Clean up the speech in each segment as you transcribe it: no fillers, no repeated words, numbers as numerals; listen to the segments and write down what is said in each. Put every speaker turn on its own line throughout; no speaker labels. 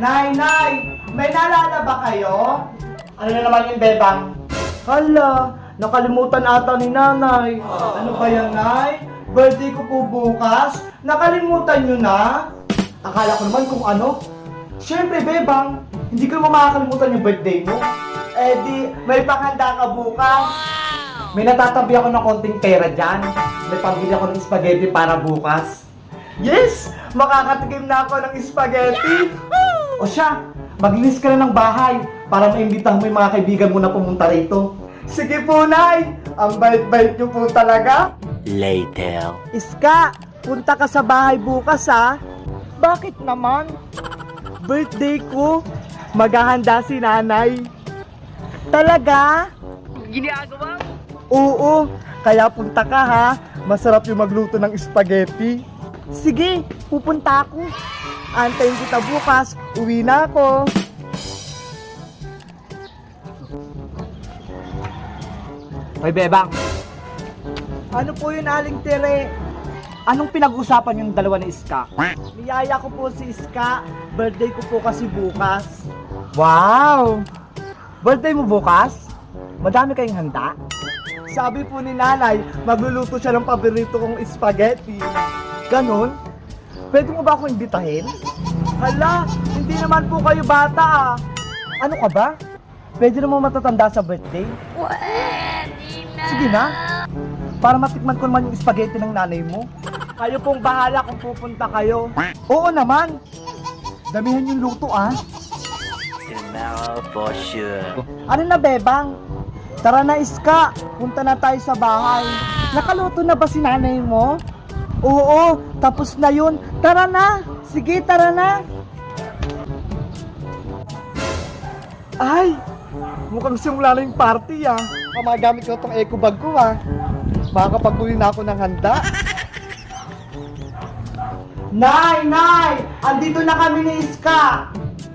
Nay! May naalala ba kayo? Ano na naman yung bebang? Hala, nakalimutan ata ni nanay. Ano ba yan, Nay? Birthday ko po bukas. Nakalimutan nyo na? Akala ko naman kung ano. Siyempre, bebang, hindi ko naman makakalimutan yung birthday mo. Eh di, may paghanda ka bukas. May natatabi ako ng konting pera dyan. May pambili ako ng spaghetti para bukas. Yes! Makakatikim na ako ng spaghetti. O siya, maglinis ka na ng bahay para maimbitahan mo yung mga kaibigan mo na pumunta rito. Sige po, Nay! Ang bait-bait niyo po talaga.
Later.
Iska, punta ka sa bahay bukas ha. Bakit naman? Birthday ko. Maghahanda si nanay. Talaga?
Ginagawa?
Oo, kaya punta ka ha. Masarap yung magluto ng spaghetti. Sige, pupunta ako. Antayin kita bukas. Uwi na ako. Hoy, bebang. Ano po yun, Aling Tere? Anong pinag-usapan yung dalawa ni Iska? Niyaya ko po si Iska. Birthday ko po kasi bukas. Wow! Birthday mo bukas? Madami kayong handa? Sabi po ni nanay, magluluto siya ng paborito kong spaghetti. Ganon? Pwede mo ba akong imbitahin? Hala, hindi naman po kayo bata ah. Ano ka ba? Pwede naman matatanda sa birthday? Sige na. Para matikman ko naman yung spaghetti ng nanay mo. Kayo pong bahala kung pupunta kayo. Oo naman. Damihan yung luto ah.
Tomorrow for sure.
Ano na, bebang? Tara na, Iska. Punta na tayo sa bahay. Nakaluto na ba si nanay mo? Oo, tapos na yun. Tara na. Sige, tara na. Ay, mukhang simula na yung party ah. Magamit ko itong eco bag ko ah. Makakapagpuli na ako ng handa. Nay! Andito na kami ni Iska!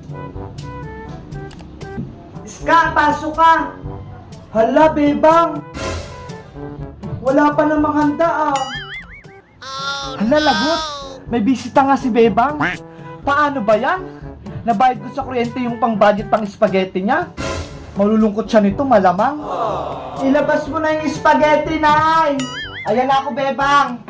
Iska, pasok ka! Hala, bebang! Wala pa namang handa ah! Hala, lagot! May bisita nga si bebang! Paano ba yan? Nabayad ko sa kuryente yung pang-budget pang spaghetti niya? Malulungkot siya nito, malamang. Ilabas mo na yung spaghetti, Nay! Ayan na ako, bebang!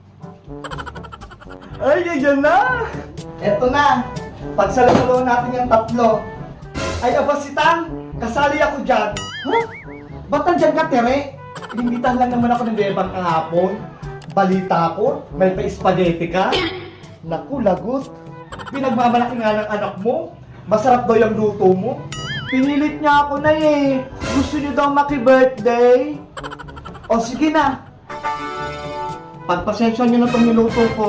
Ay, yan na! Eto na! Pagsalo-salo natin yung tatlo. Ay, abasitang! Kasali ako dyan. Huh? Ba't nandyan ka, Tere? Inimbitahan lang naman ako ng bebang kahapon. Balita ko, may pa-spaghetti ka. Naku, lagot. Pinagmamalaki nga ng anak mo. Masarap daw yung luto mo. Pinilit niya ako na eh. Gusto niyo daw maki-birthday? O sige na. Pagpasensya niyo na itong niluto ko.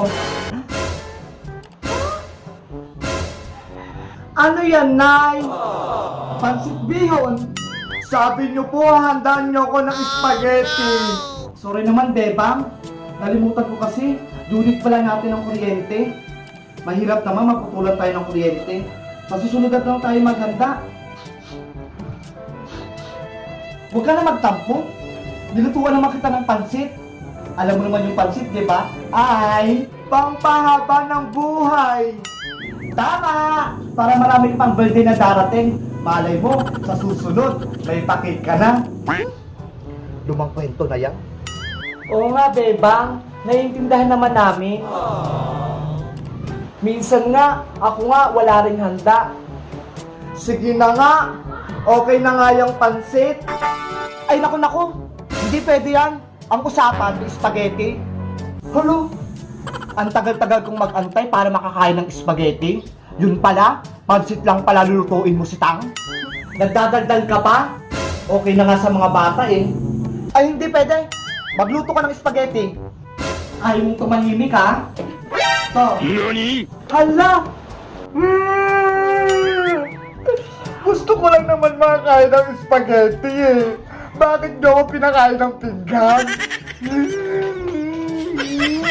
Ano yan, Nay? Pansit bihon. Sabi niyo po, handaan niyo ako ng spaghetti. Sorry naman, bebang. Nalimutan ko kasi. Unit pala natin ng kuryente. Mahirap naman maputulan tayo ng kuryente. Masusunod na lang tayo maghanda. Huwag ka na magtampo. Nilutuan naman kita ng pansit. Alam mo naman yung pansit, di ba? Ay, pampahaba ng buhay. Tama! Para marami pang birthday na darating. Malay mo, sa susunod, may pakit ka na. Lumang kwento na yan. Oo nga, bebang. Naiintindihan naman namin. Minsan nga, ako nga, wala ring handa. Sige na nga. Okay na nga yung pansit. Ay, naku. Hindi pwede yan. Ang usapan, spaghetti. Hello? Ang tagal-tagal kong mag-antay para makakain ng spaghetti. Yun pala, pansit lang pala lulutuin mo si Tang. Nagdadaldal ka pa? Okay na nga sa mga bata eh. Ay, hindi pwede. Magluto ka ng spaghetti. Ayaw mong tumahimik ha? To.
Nani?
Hala! Gusto ko lang naman makakain ng spaghetti eh. Bakit niyo ako pinakain ng pinggan?